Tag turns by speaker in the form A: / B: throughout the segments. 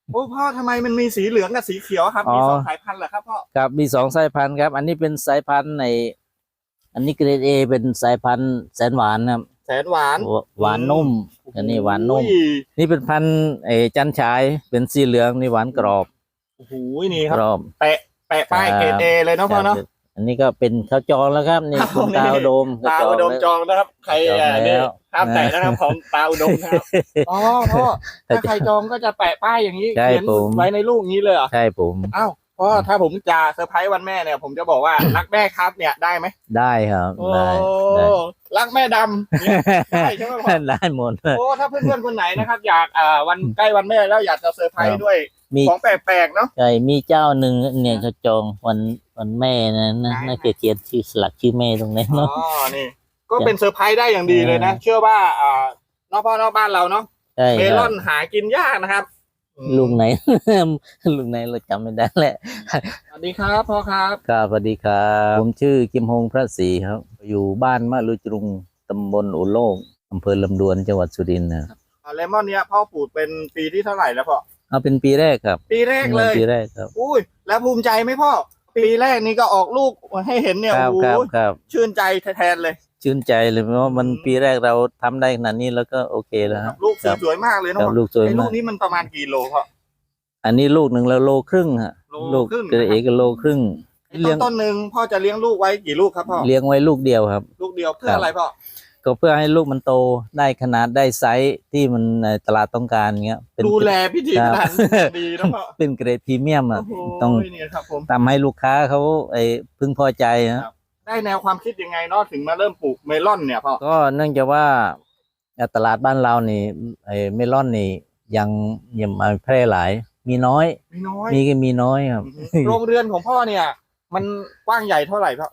A: โอ้พ่อทำไมมันมีสีเหลืองกับสีเขียวครับ
B: อ๋อ
A: มีสองสายพันธุ์เหรอครับพ่อ
B: ครับมีสองสายพันธุ์ครับอันนี้เป็นสายพันธุ์ในอันนี้เกรดเอเป็นสายพันธุ์แสนหวานครับ
A: แสนหวาน
B: หวานนุ่มอันนี้หวานนุ่ม
A: โอ้ย
B: นี่เป็นพันธุ์จันฉายเป็นสีเหลืองนี่หวานกรอบ
A: โอ้โหนี่ค
B: ก
A: รับ
B: รอบ
A: แปะป้ายเกรดเอเลยเนาะพ่อเนาะ
B: อันนี้ก็เป็นข้าวจองแล้วครับนี่
A: ครับ
B: คุณตาอุดม
A: ตาอุดมจองนะครับใคร
B: จองแล้ว
A: เนี่ยห้ามแตะนะครับของตาอุดมนะครับอ๋อพ่อถ้าใครจองก็จะแปะป้ายอย่างนี้
B: ใช่
A: เขียน
B: ผม
A: ไว้ในลูกนี้เลยเหรอ
B: ใช่ผม
A: อ้าวพ่อถ้าผมจะเซอร์ไพรส์วันแม่เนี่ยผมจะบอกว่า รักแม่ครับเนี่ยได้ไหม
B: ได้ครับ
A: โอ้
B: ได้
A: รักแม่ดำเนี่ยได้ใช่ไหมพ่อ
B: ได้หมด
A: โอ้ถ้าเพื่อนๆคนไหนนะครับ อยากวันใกล้วันแม่แล้วอยากจะเซอร์ไพรส์ด้วย
B: มี
A: ของแปลกๆเนาะ
B: ใช่มีเจ้าหนึ่งเนี่ยเขาจองวันแม่นะน่าจะเขียนชื่อสลักชื่อแม่ตรงนี้
A: อ๋อ
B: เนาะ
A: นี่ ก็เป็นเซอร์ไพรส์ได้อย่างดีเลยนะ เชื่อว่านอกพ่อนอกบ้านเราเนาะ
B: ใช่
A: เม
B: ค
A: ล
B: รั
A: อบ นหากินยากนะครับอืม
B: ลุงไหน ลุงไหนเราจำไม่ได้แหละ
A: สวัสดีครับพ่อครับ
B: ครับสวัสดีครับผมชื่อกิมฮงพระศรีครับ อยู่บ้านมะลุจรุงตำบลอุโลกอำเภอลำดวนจังหวัดสุรินทร์นะครับ
A: เลมอนเนี้ยพ่อปลูกเป็นปีที่เท่าไหร่แล้วพ่อ
B: เอาเป็นปีแรกครับ
A: ปีแรกเลย
B: ปีแรกครับ
A: อุ้ยแล้วภูมิใจไหมพ่อ ปีแรกนี้ก็ออกลูกให้เห็นเนี่ย
B: ครับ
A: โอ้
B: ครับ
A: โห
B: ครับ
A: ชื่นใจแทนเลย
B: ชื่นใจเลยเพราะว่ามันปีแรกเราทำได้ขนาดนี้แล้วก็โอเคแล้วฮะ
A: ลูก
B: ครับ
A: สวยๆมากเลย
B: ครั
A: เนาะ
B: บลูกสวย
A: ไอ้ลู
B: มาก
A: กนี้มันประมาณกี่โลพ่อ
B: อันนี้ลูกหนึ่งแล้วโลครึ่งฮะ
A: โล
B: ลูก
A: ครึ่ง
B: เกรดเอก็โลครึ่ง
A: ไอ้ต้นหนึ่งพ่อจะเลี้ยงลูกไว้กี่ลูกครับพ่อ
B: เลี้ยงไว้ลูกเดียวครับ
A: ลูกเดียวเพื่อ
B: ครับ
A: อะไรพ่อ
B: ก็เพื่อให้ลูกมันโตได้ขนาดได้ไซส์ที่มันตลาดต้องการเงี้ยเป็น
A: ดูแลพิธี
B: ครับ
A: พิถันดีนะพ่อ
B: เป็นเกรดพรีเมียมอ่ะ
A: โอ้โห
B: ต้อง
A: เนี่ยครับผม
B: ทำให้ลูกค้าเขาพึงพอใจฮะ
A: ได้แนวความคิดยังไงเนาะถึงมาเริ่มปลูกเมลอนเนี่ยพ่อ
B: ก็เนื่องจากว่าตลาดบ้านเรานี่เมลอนนี่ยังมาแพร่หลาย มีน้อย
A: ไม่น้อย
B: มีน้อยครับ
A: โรงเรือนของพ่อเนี่ย มันกว้างใหญ่เท่าไหร่พ่อก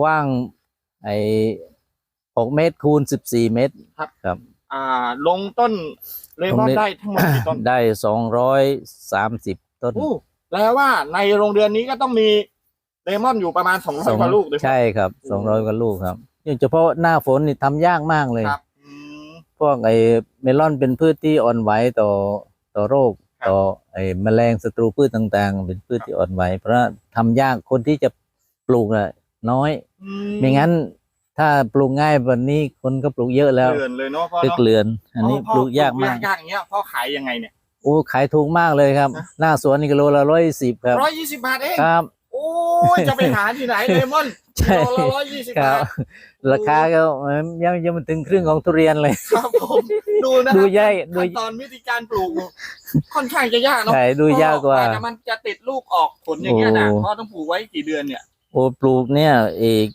B: ว้าง6 เมตรคูณ14 เมตรครับ
A: ลงต้นเลมอนได้ทั้งหมดกี่ต้น
B: ได้230 ต้น
A: อู้แปลว่าในโรงเรือนนี้ก็ต้องมีเลมอนอยู่ประมาณ200กว่าลูกเลย
B: ใช่ครับ200 กว่าลูกครับเฉพาะหน้าฝนนี่ทำยากมากเลย
A: ครับ
B: พวกเมลอนเป็นพืชที่อ่อนไหวต่อโรค
A: ครับ
B: ต่อแมลงศัตรูพืชต่างๆ เป็นพืชที่อ่อนไหวเพราะทำยากคนที่จะปลูกน่ะน้อย ไม่งั้นถ้าปลูกง่ายวันนี้คนก็ปลูกเยอะแล้ว
A: เรือนเลยเนาะพ่อ
B: ตึก
A: เนาะ
B: เรือน อันนี้
A: พ่อ
B: ปลูกยากมาก
A: ยากอย่างเงี้ยพ่อขายยังไงเนี่ย
B: โอ้ขายถูกมากเลยครับ
A: นะ
B: หน้าสวนนี่กิโลละ110ครับ
A: 120 บาทเอง
B: ครับ
A: โอ้ยจะไปหาที่ไหนเลมอน
B: ใช่
A: กิโลละ120
B: ครับ
A: า
B: บ
A: ท
B: ราคาก็ยังมันถึงครึ่งของทุเรียนเลย
A: ครับผมดูนะ
B: ดู
A: ครับ
B: ใหญ่ดู
A: ขั้นตอนวิธีการปลูกค่อนข้างจะยากเนาะ
B: ใช่ดูยากกว่า
A: แต่มันจะติดลูกออกผลอย่างเงี้ยนะ
B: โอ้
A: พ่อต้องปลูกไว้กี่เดือนเนี่ย
B: โอ้ปลูกเนี่ยอีก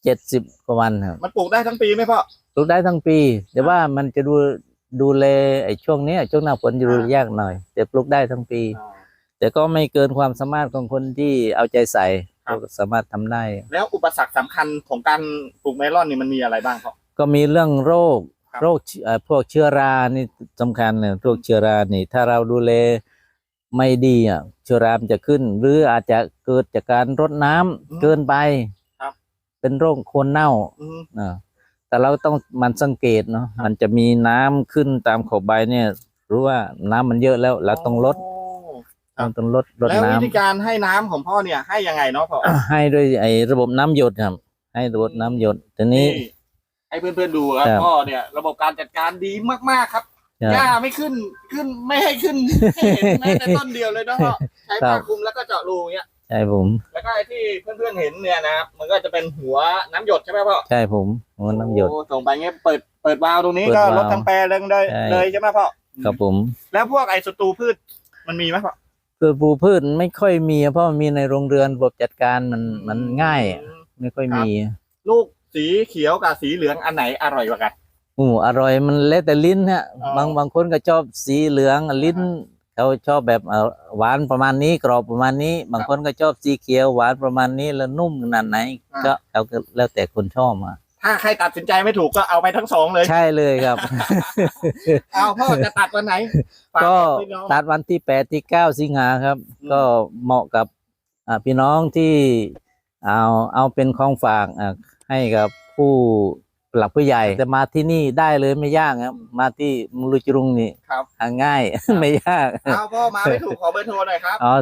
B: 70 กว่าวันครับ
A: มันปลูกได้ทั้งปีไหมพ่อ
B: ปลูกได้ทั้งปี แต่ว่ามันจะดูแลช่วงเนี้ยช่วงหน้าฝนจะดูยากหน่อย แต่ปลูกได้ทั้งปี แต่ก็ไม่เกินความสามารถของคนที่เอาใจใส่
A: ครับ
B: ก็สามารถทำได้
A: แล้วอุปสรรคสำคัญของการปลูกเมลอนนี่มันมีอะไรบ้างพ่อ
B: ก็มีเรื่องโรค
A: ครับ
B: พวกเชื้อรานี่สำคัญเลยพวกเชื้อรานี่ ถ้าเราดูแลไม่ดีอ่ะเชื้อรามันจะขึ้น หรืออาจจะเกิดจากการรดน้ำเกินไป
A: ครับ
B: เป็นโรคโคนเน่า
A: อืม
B: แต่เราต้องมันสังเกตเนาะมันจะมีน้ำขึ้นตามขอบใบเนี่ยรู้ว่าน้ำมันเยอะแล้วเราต้องลด
A: ครับ
B: เราต้องลด
A: แล้ว
B: น้ำ
A: วิธีการให้น้ำของพ่อเนี่ยให้ยังไงเนาะพ่อ
B: ให้ด้วยระบบน้ำหยดครับ ให้ระบบน้ำหยดทีนี้
A: ให้เพื่อนๆดูครับ
B: ครับ
A: พ่อเนี่ยระบบการจัดการดีมากๆครับ
B: ครับ
A: หญ้าไม่ขึ้นไม่ให้ขึ้นให้เห็นแม้แต่ต้นเดียวเลยนะพ่อใช้
B: ครั
A: ผ้า
B: บ
A: คลุมแล้วก็เจาะรูอย่างเงี้ย
B: ใช่ผม
A: แล้วก็ไอ้ที่เพื่อนๆเห็นเนี่ยนะครับมันก็จะเป็นหัวน้ำหยดใช่ไหมพ่อ
B: ใช่ผมหัวน้ำหยด
A: โอ้ส่งไปเงี้ยเปิดวาล์วตรงนี้
B: เปิด
A: ก็
B: วาล์ว
A: ลดทั้งแปรเลย
B: ใช่
A: เลยใช่ไหมพ่อ
B: ครับผม
A: แล้วพวกไอ้ศัตรูพืชมันมีไหมพ่อ
B: คือปลูกพืชไม่ค่อยมีเพราะมันมีในโรงเรือนระบบจัดการมันง่ายอะไม่ค่อยมี
A: ลูกสีเขียวกับสีเหลืองอันไหนอร่อยกว่ากัน
B: อร่อยมันแล้วแต่ลิ้นฮะ
A: อ๋อ
B: บางคนก็ชอบสีเหลืองลิ้นเขาชอบแบบหวานประมาณนี้กรอบประมาณนี้ บางคนก็ชอบสีเขียวหวานประมาณนี้แล้วนุ่มขนาดไหน ก็เอาก็แล้วแต่คนชอบอ่ะ
A: ถ้าใครตัดสินใจไม่ถูกก็เอาไปทั้งสองเลย
B: ใช่เลยครับ
A: เอาพ่อจะตัดวันไหนฝา
B: ก็
A: บอกพี่น้อง
B: ตัดวันที่8 ที่ 9 สิงหาครับ
A: อืม
B: ก็เหมาะกับพี่น้องที่เอาเป็นของฝากให้กับผู้หลักผู้ใหญ่แต่มาที่นี่ได้เลยไม่ยากครับมาที่มุลุจรุงนี่
A: ครับ
B: หาง่าย ไม่ยาก
A: เอาพ่อมาไม่ถูกขอเบอร์โทรหน่อยครับ
B: อ๋อ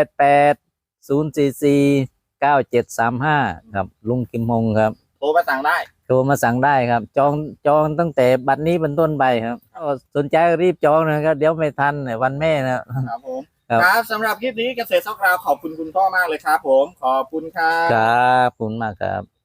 B: 088 044 9735ครับลุงกิมฮงครับ
A: โทรมาสั่งได้
B: โทรมาสั่งได้ครับ จองตั้งแต่บัดนี้เป็นต้นไปครับก็สนใจรีบจองนะครับ เดี๋ยวไม่ทันในวันแม่นะครับ
A: ผม
B: ครับ
A: ครับสำหรับคลิปนี้เกษตรซอกราวขอบคุณคุณพ่อมากเลยครับผมขอบคุณครับ
B: ครับขอบคุณมากครับ